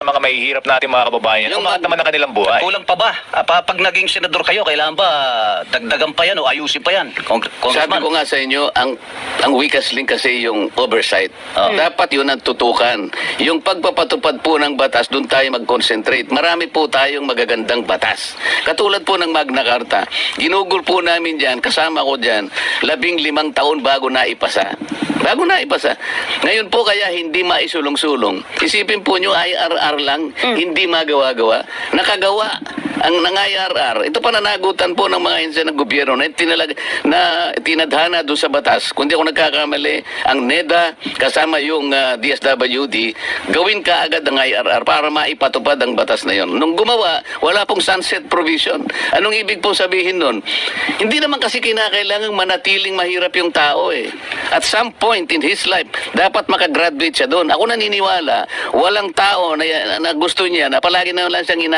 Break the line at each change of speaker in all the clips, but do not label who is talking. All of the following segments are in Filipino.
mga mahihirap natin mga kababayan.
Yung
Umangat naman ang kanilang buhay.
Kulang pa ba? Pag naging senador kayo, kailangan ba dagdagan pa yan o ayusin pa yan?
Sabi
Congressman.
ko nga sa inyo, ang weakest link kasi yung oversight. Dapat yun ang tutukan. Yung pagpapatupad po ng batas, doon tayo mag-concentrate. Marami po tayong magagandang batas. Katulad po ng Magna Carta. Ginugol po namin dyan, kasama ko dyan, 15 taon bago na ipasa. Bago na ipasa. Ngayon po kaya hindi maisulong-sulong. Isipin po nyo, IRR lang, hindi magawa-gawa. Nakagawa ang ng IRR. Ito pananagutan po ng mga ahensya ng gobyerno na tinadhana doon sa batas. Kung di ako nagkakamali, ang NEDA kasama yung DSWD, gawin ka agad ang IRR para maipatupad ang batas na yon. Nung gumawa, wala pong sunset provision. Anong ibig pong sabihin nun? Hindi naman kasi kinakailangang manatiling mahirap yung tao eh. At some point in his life, dapat makagraduate siya doon. Ako naniniwala, walang tao na gusto niya na palagi na lang siyang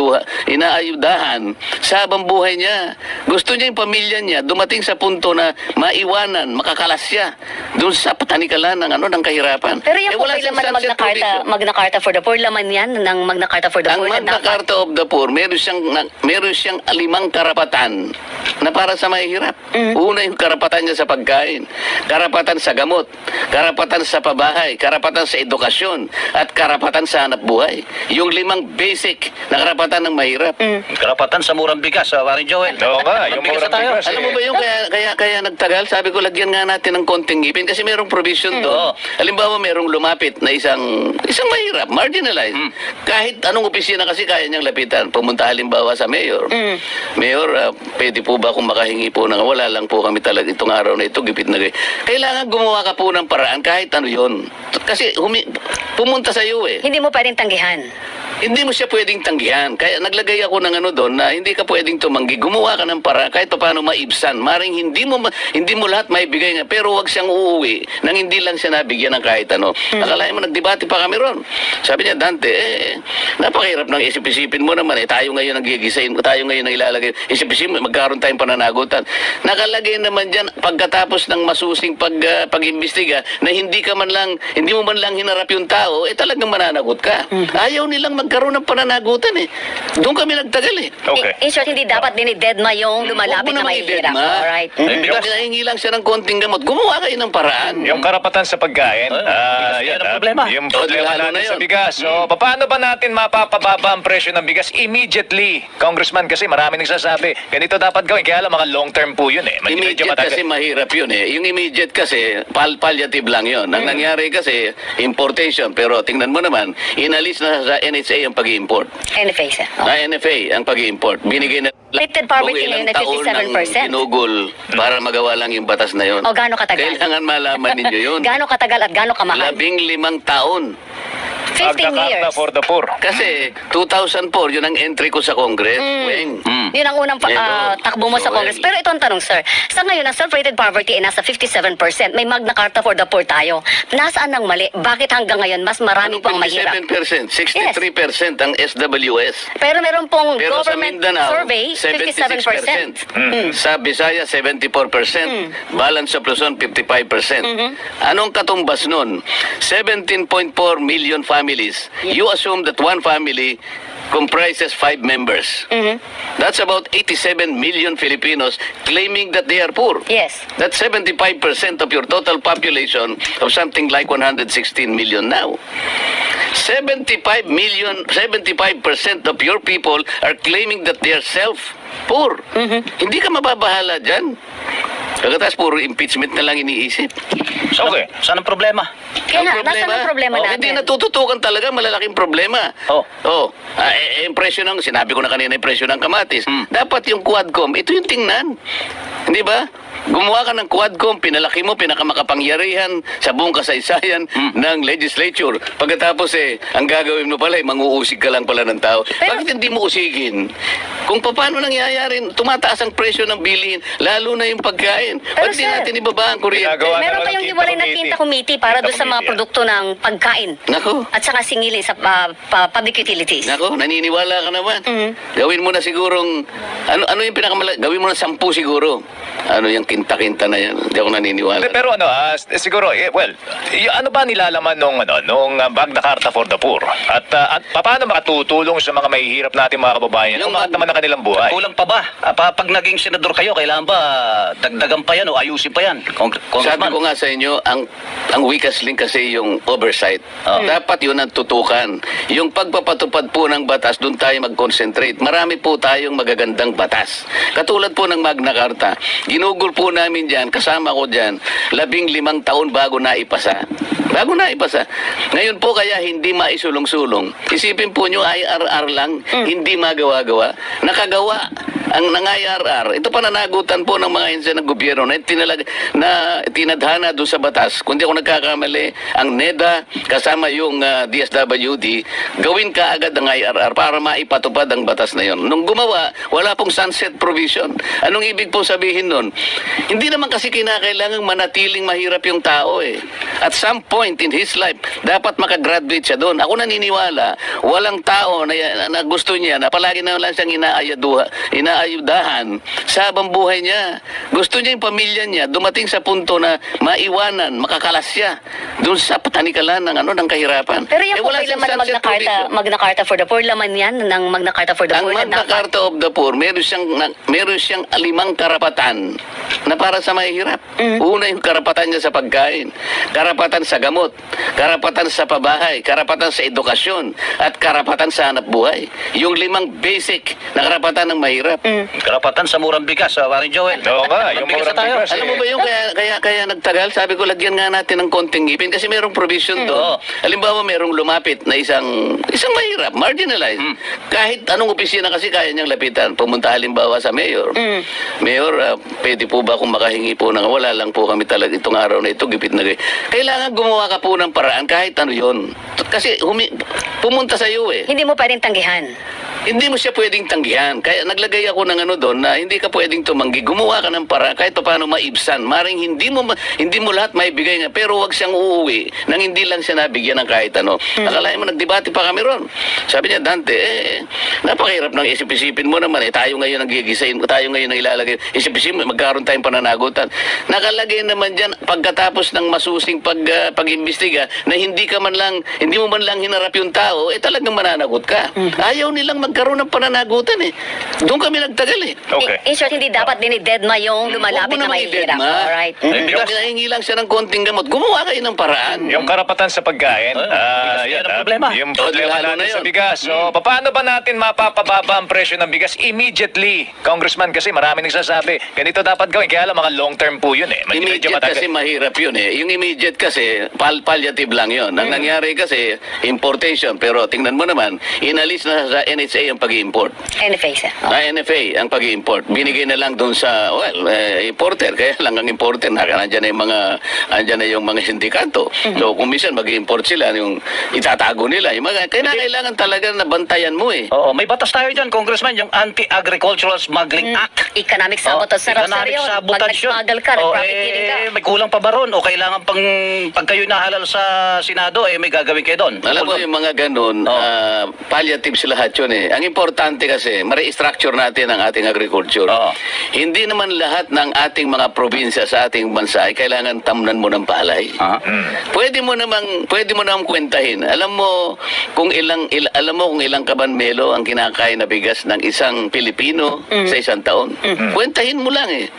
inaayudahan sa habang buhay niya. Gusto niya yung pamilya niya dumating sa punto na maiwanan, makakalas siya doon sa patanikalan ng kahirapan.
Pero yung
wala
laman
siyang
ng
sunset provision.
Magna Carta for the Poor, laman yan ng Magna Carta for the
Ang
Poor.
Magna Carta of the Poor, meron siyang 5 karapatan na para sa mahihirap. Una yung karapatan niya sa pagkain, karapatan sa gamot, karapatan sa pabahay, karapatan sa edukasyon, at karapatan sa hanap buhay. Yung 5 basic na karapatan ng mahirap.
Karapatan sa murang bigas, Warren Joel.
Oo nga, yung
Bigas na
murang
tayo.
bigas.
Alam mo ba yung kaya nagtagal? Sabi ko, lagyan nga natin ng konting ngipin kasi merong provision doon. Halimbawa, merong lumapit na isang mahirap, marginalized. Kahit anong opisina kasi kaya niyang lapitan. Pumunta halimbawa sa mayor. Mayor, pwede po ba kung makahingi po ng wala lang po kami talaga itong araw na ito, gipit na kailangan gumawa ka po ng paraan kahit ano yun. Kasi pumunta sa iyo eh.
Hindi mo pwedeng tanggihan.
Hindi mo siya pwedeng tanggihan. Kaya naglagay ako ng doon na hindi ka pwedeng tumanggi. Gumawa ka ng para kahit paano maibsan. Maring hindi mo lahat maibigay nga. Pero wag siyang uuwi nang hindi lang siya nabigyan ng kahit ano. Akalain mo nagdebate pa kami ron. Sabi niya, Dante, napakahirap ng isip-isipin mo naman. Tayo ngayon ang gigisain. Tayo ngayon ang ilalagay. Isip-isipin mo, magkaroon tayong pananagutan. Nakalagay naman dyan pagkatapos ng masusing pag-imbestiga na hindi mo man lang hinarap yung tao, talagang mananagot ka. Ayaw nilang magkaroon ng pananagutan eh. Doon kami nagtagal eh.
Okay.
In short, hindi dapat dinidedma yung lumalapit na mahihirap. Alright.
Nahingi lang siya ng konting gamot. Gumawa kayo ng paraan.
Yung karapatan sa pagkain,
yan ang problema.
Yung problema
lalo na
natin sa
yun.
bigas. So, paano ba natin mapapababa ang presyo ng bigas immediately? Congressman, kasi marami nagsasabi, ganito dapat gawin. Kaya lang mga long term po yun eh. Medyo
Immediate
matagal.
kasi mahirap yun eh. Yung immediate kasi, palliative lang yun. Ang nangyari kasi, importation. Pero tingnan mo naman, inalis na sa NHA ang pag-i-import.
NFA siya.
NFA ang pag-i-import. Binigay na
Lifted poverty
kung ilang
ngayon na
taon ng
57%.
ginugol para magawa lang yung batas na yun.
O gaano katagal?
Kailangan malaman ninyo yun.
Gaano katagal at gaano kamahal?
15 taon.
15
Magna
years.
Carta for the Poor.
Kasi 2004, yun ang entry ko sa Congress. Weng.
Yun ang unang takbo mo sa Congress. Pero ito ang tanong, sir. Sa ngayon, ang self-rated poverty ay nasa 57%. May Magna Carta for the Poor tayo. Nasaan ang mali? Bakit hanggang ngayon mas marami pang mahirap?
57%, 63% ang SWS.
Pero meron pong
Pero sa
government
Mindanao,
survey, 57%.
Sa Visaya, 74%. Balance of Luzon, 55%. Anong katumbas nun? 17.4 million families. You assume that one family comprises 5 members. That's about 87 million Filipinos claiming that they are poor.
Yes.
That's 75% of your total population of something like 116 million now. 75% of your people are claiming that they are self-poor. Hindi ka mababahala dyan. Pagkatapos puro impeachment na lang iniisip.
Okay. Saan ang problema?
Kaya nga, nasaan ang problema natin?
Hindi natututukan talaga, malalaking problema. Yung presyo ng, sinabi ko na kanina yung presyo ng kamatis. Dapat yung Quadcom, ito yung tingnan. Hindi ba? Gumawa ka ng Quadcom, pinalaki mo, pinakamakapangyarihan sa buong kasaysayan ng legislature. Pagkatapos ang gagawin mo pala, manguusig ka lang pala ng tao. Bakit hindi mo usigin? Kung paano nangyayari, tumataas ang presyo ng bilihin, lalo na yung pagkain. pagkain.
Pero,
Ba't di
sir,
natin ibaba ang kuryente?
ginagawa
Meron
naman
kayong
ng
hiwalay na
Quinta
Quinta Committee para doon sa mga
Committee,
produkto ng pagkain.
Nako.
At saka singili sa public utilities.
Nako, naniniwala ka naman.
Mhm.
Gawin mo na sigurong, ano yung pinakamalaki? Gawin mo na 10 siguro. Ano yung kinta-kinta na yan? Hindi ako naniniwala.
Pero siguro, well, ano ba nilalaman nung Magna Carta for the Poor? At paano makatutulong sa mga mahihirap natin mga kababayan?
Yung
Umangat naman ang kanilang buhay.
Kulang pa ba? Pag naging senador kayo, kailangan ba dagdagan pa yan o ayusin pa yan?
Sabi
Congressman.
ko nga sa inyo, ang weakest link kasi yung oversight. Dapat yun ang tutukan. Yung pagpapatupad po ng batas, doon tayo mag-concentrate. Marami po tayong magagandang batas. Katulad po ng Magna Carta. Ginugol po namin dyan, kasama ko dyan, 15 taon bago naipasa. Bago naipasa. Ngayon po kaya hindi maisulong-sulong. Isipin po nyo, IRR lang, hindi magawa-gawa. Nakagawa ang ng IRR. Ito pananagutan po ng mga ahensya ng gobyerno na tinadhana doon sa batas. Kung di ako nagkakamali, ang NEDA kasama yung DSWD, gawin ka agad ang IRR para maipatupad ang batas na yon. Nung gumawa, wala pong sunset provision. Anong ibig po sabihin nun? Hindi naman kasi kinakailangang manatiling mahirap yung tao eh. At some point in his life, dapat makagraduate siya doon. Ako naniniwala, walang tao na gusto niya na palagi na lang siyang inaayudahan sa habang buhay niya. Gusto niya yung pamilya niya dumating sa punto na maiwanan, makakalas siya doon sa patanikalan ng kahirapan.
Pero yung
wala
okay
siyang
laman ng
sunset provision.
Magna Carta for the Poor, laman yan ng Magna Carta for the
Ang
Poor. na
Magna
dapat-
Carta of the Poor, meron siyang 5 karapatan na para sa mahihirap. Una yung karapatan niya sa pagkain, karapatan sa gamot, karapatan sa pabahay, karapatan sa edukasyon, at karapatan sa hanap buhay. Yung 5 basic na karapatan ng mahirap.
Karapatan sa murang bigas, Warren Joel.
Oo nga, yung
Magbigas na
murang
tayo.
bigas.
Alam mo ba yung kaya nagtagal? Sabi ko, lagyan nga natin ng konting ngipin kasi merong provision doon.
Oo.
Halimbawa, merong lumapit na isang mahirap, marginalized. Kahit anong opisina kasi kaya niyang lapitan. Pumunta halimbawa sa mayor. Mayor, pwede po ba kung makahingi po ng wala lang po kami talaga itong araw na ito, gipit na gay. Kailangan gumawa ka po ng paraan kahit ano yon. Kasi pumunta sa iyo eh.
Hindi mo pwedeng tanggihan.
Hindi mo siya pwedeng tanggihan. Kaya naglagay ako ng doon na hindi ka pwedeng tumanggi. Gumawa ka ng para kahit paano maibsan. Maring hindi mo lahat maibigay nga. Pero wag siyang uuwi nang hindi lang siya nabigyan ng kahit ano. Akalain mo, nagdebate pa kami ron. Sabi niya, Dante, napakahirap ng isip-isipin mo naman. Tayo ngayon ang gigisain. Tayo ngayon ang ilalagay. Isip-isipin mo, magkaroon tayong pananagutan. Nakalagay naman dyan pagkatapos ng masusing pag-imbestiga na hindi mo man lang hinarap yung tao, talagang mananagot ka. Ayaw nilang magkaroon ng pananagutan eh. Doon kami nagtagal eh.
Okay.
In short, hindi dapat dinidedma yung lumalapit na mahihirap. Alright.
Yung hinahingi lang siya ng konting gamot, gumawa kayo ng paraan.
Yung karapatan sa pagkain,
bigas yan ang problema.
Yung problema
lalo na
natin sa
yun.
bigas. So, paano ba natin mapapababa ang presyo ng bigas immediately? Congressman, kasi marami nagsasabi, ganito dapat gawin. Kaya lang mga long term po yun eh. Medyo
Immediate
matagal.
kasi mahirap yun eh. Yung immediate kasi, palliative lang yun. Ang nangyari kasi, importation. Pero tingnan mo naman, inalis na sa NHA ang pag-import.
NFA, sir.
NFA ang pag-import. Binigay na lang doon sa, importer. Kaya lang ang importer, nandiyan na yung mga sindikato. So, kung minsan mag-import sila, yung itatago nila. Kailangan talaga na bantayan mo eh.
Oo, may batas tayo dyan, Congressman, yung Anti-Agricultural Smuggling Act.
Economic sabotage. Sarap, sir,
Economic
yun. Pag
sabotage yun.
nag-smuggle ka, nag-profiteering ka.
May kulang pa ba ron? O kailangan pag kayo nahalal sa Senado, may gagawin kayo doon?
Alam mo yung mga ganun, palliative sila lahat yun eh. Ang importante kasi, ma-restructure natin ang ating agriculture.
Oo.
Hindi naman lahat ng ating mga probinsya sa ating bansa ay kailangan tamnan mo ng palay. Pwede mo namang kwentahin. Alam mo kung ilang kabanmelo ang kinakain na bigas ng isang Pilipino sa isang taon. Kwentahin mo lang eh.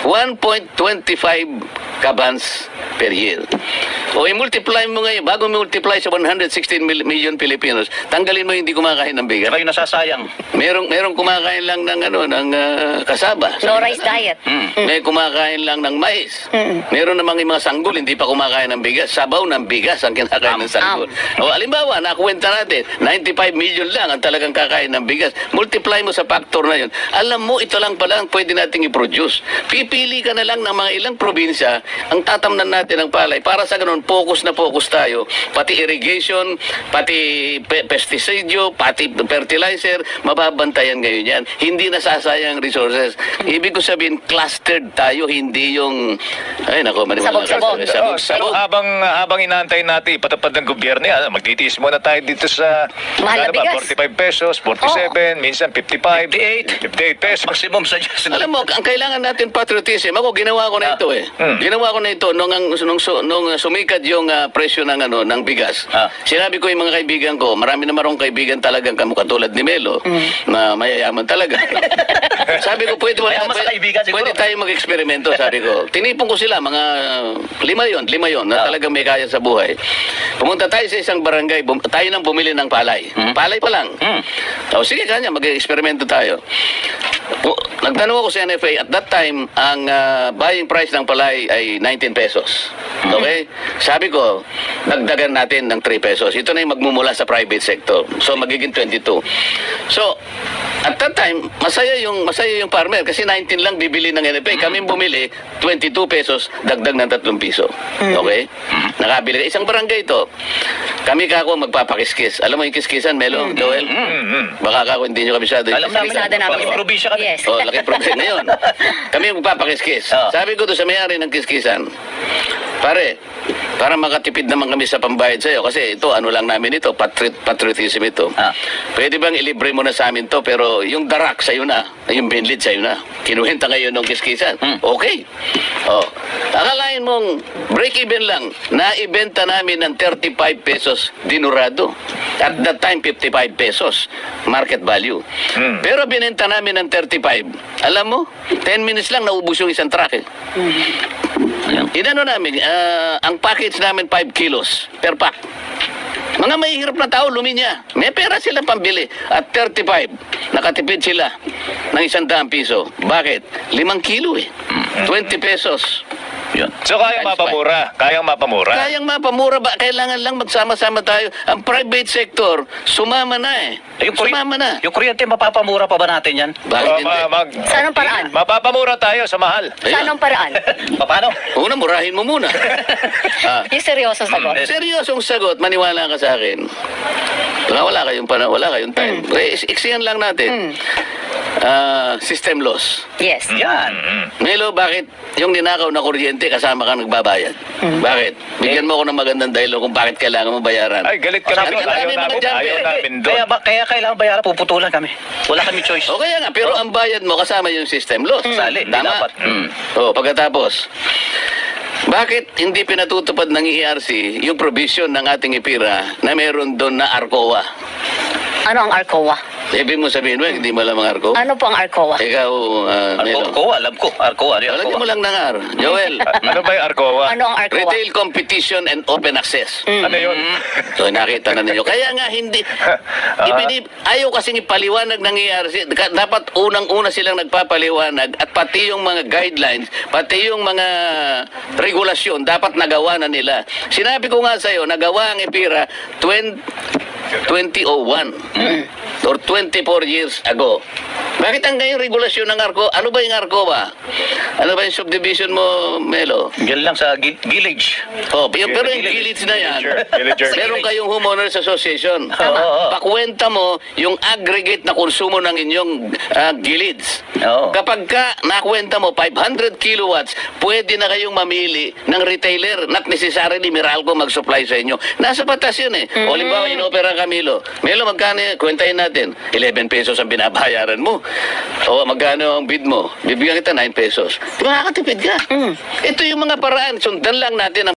1.25 kabans per year. O i-multiply mo ngayon, bago multiply sa 116 million Filipinos, tanggalin mo yung hindi kumakain ng bigas.
Kayo nasasayang.
Merong kumakain lang ng kasaba.
No rice diet.
May kumakain lang ng mais. Meron namang yung mga sanggol, hindi pa kumakain ng bigas. Sabaw ng bigas ang kinakain ng sanggol. O alimbawa, nakuwenta natin, 95 million lang ang talagang kakain ng bigas. Multiply mo sa factor na yun. Alam mo, ito lang pala ang pwede nating i-produce. Pipili ka na lang ng mga ilang probinsya ang tatamnan natin ng palay para sa ganun, focus na focus tayo. Pati irrigation, pati pesticide, pati fertilizer, mababantayan ngayon yan. Hindi nasasayang resources. Ibig ko sabihin, clustered tayo, hindi yung... Ay, nako, maniwala ka.
Sabog-sabog.
Pero
Sabog-sabog.
habang inaantay natin ipatupad ng gobyerno yan, magtitiis muna tayo dito sa
Mahal na
ano ba,
bigas.
45 pesos, 47, minsan 55,
58.
58 pesos.
Maximum sa Diyos.
Alam mo, ang kailangan natin patriotism. Ako, ginawa ko na ito eh. Ginawa ko na ito nung sumikat yung presyo ng ng bigas. Sinabi ko yung mga kaibigan ko, marami na marong kaibigan talagang katulad ni Melo, na mayayaman talaga. Sabi ko,
Mayaman sa kaibigan, siguro.
pwede tayo mag-eksperimento, sabi ko. Tinipon ko sila, mga lima yon na talagang may kaya sa buhay. Pumunta tayo sa isang barangay, tayo nang bumili ng palay. Palay pa lang. O sige, kanya, mag-eksperimento tayo. Nagtanong ako sa NFA, at that time, ang buying price ng palay ay 19 pesos. Okay? Sabi ko, dagdagan natin ng 3 pesos. Ito na yung magmumula sa private sector. So, magiging 22. So, at that time, masaya yung farmer kasi 19 lang bibili ng NFA. Kami bumili, 22 pesos, dagdag ng 3 piso. Okay? Nakabili. Isang barangay ito. Kami kako magpapakiskis. Alam mo yung kiskisan, Melo, Joel? Baka kako hindi nyo kabisado yung
Alam namin
kiskisan.
Kabisado namin.
Laking probinsya kami.
Yes.
Oh, laki problem ngayon. Kami magpapakiskis. Sabi ko doon sa may-ari ng kiskisan, pare, para makatipid naman kami sa pambayad sa'yo, kasi ito, ano lang namin ito, patriotism ito. Pwede bang ilibre mo na sa amin to, pero yung darak sa'yo na, yung binlid sa'yo na. Kinuhenta ngayon ng kiskisan. Okay. Oh. Akalain mong break-even lang, naibenta namin ng 35 pesos dinurado. At that time, 55 pesos market value. Pero binenta namin ng 35. Alam mo, 10 minutes lang naubos yung isang truck eh. Inano namin, ang package namin 5 kilos per pack. Mga mahihirap na tao, luminya. May pera silang pambili. At 35, nakatipid sila ng 100 piso. Bakit? 5 kilo eh. 20 pesos.
Yun.
So kayang mapamura. Kayang mapamura.
Kayang mapamura ba? Kailangan lang magsama-sama tayo. Ang private sector, sumama na eh. Sumama na.
Yung kuryente, mapapamura pa ba natin yan?
Bakit hindi?
Sa anong paraan?
Mapapamura tayo sa mahal.
Sa anong paraan?
Paano?
Una, murahin mo muna.
Yung seryosong sagot.
Seryosong sagot, maniwala ka sa akin. Wala kayong time. Iksiyan lang natin. System loss.
Yes.
Yan.
Melo, bakit yung ninakaw na kuryente kasama ka nagbabayad? Bakit? Bigyan mo ako ng magandang dahilan kung bakit kailangan mo bayaran.
Ay, galit ka
Sabi
namin.
ka
Ayaw
namin, mga
namin,
dyan,
ayaw
eh.
namin doon.
Kaya kailangan bayaran, puputulan kami. Wala kami choice.
O kaya nga, pero ang bayad mo kasama yung system loss.
Sali,
Tama?
dapat.
Pagkatapos, bakit hindi pinatutupad ng ERC yung provision ng ating IPIRA na meron doon na ARCOA?
Ano ang ARCOA?
Ibig mo sabihin mo, hindi mo alam ang ARCOA?
Ano po ang ARCOA?
Ikaw, Melo.
Arcoa, alam ko. Arcoa, ano yung
Lagyan mo
Arcoa?
lang ng R. Joel,
Ano ba yung Arcoa?
Ano ang ARCOA?
Retail Competition and Open Access.
Ano yun?
So, nakita na ninyo. Kaya nga, hindi. Ayaw kasing ipaliwanag ng ERC. Dapat unang-una silang nagpapaliwanag at pati yung mga guidelines, pati yung mga regulasyon, dapat nagawa na nila. Sinabi ko nga sa'yo, nagawa ang IPIRA 2001 or 24 years ago. Bakit ang ngayong regulasyon ng ARCO? Ano ba yung ARCO ba? Ano ba yung subdivision mo, Melo?
Yan lang sa village.
Pero yung village na yan,
Villager.
meron kayong homeowners association. Pakwenta mo yung aggregate na konsumo ng inyong gilids. Kapag ka nakwenta mo 500 kilowatts, pwede na kayong mamili ng retailer, not necessarily Meralco mag-supply sa inyo. Nasa batas yun eh. O limbawa, inopera ka, Melo, magkano yan? Kwentahin natin. 11 pesos ang binabayaran mo. O magkano ang bid mo? Bibigyan kita 9 pesos. Di makakatipid ka. Ito yung mga paraan. Sundan lang natin ang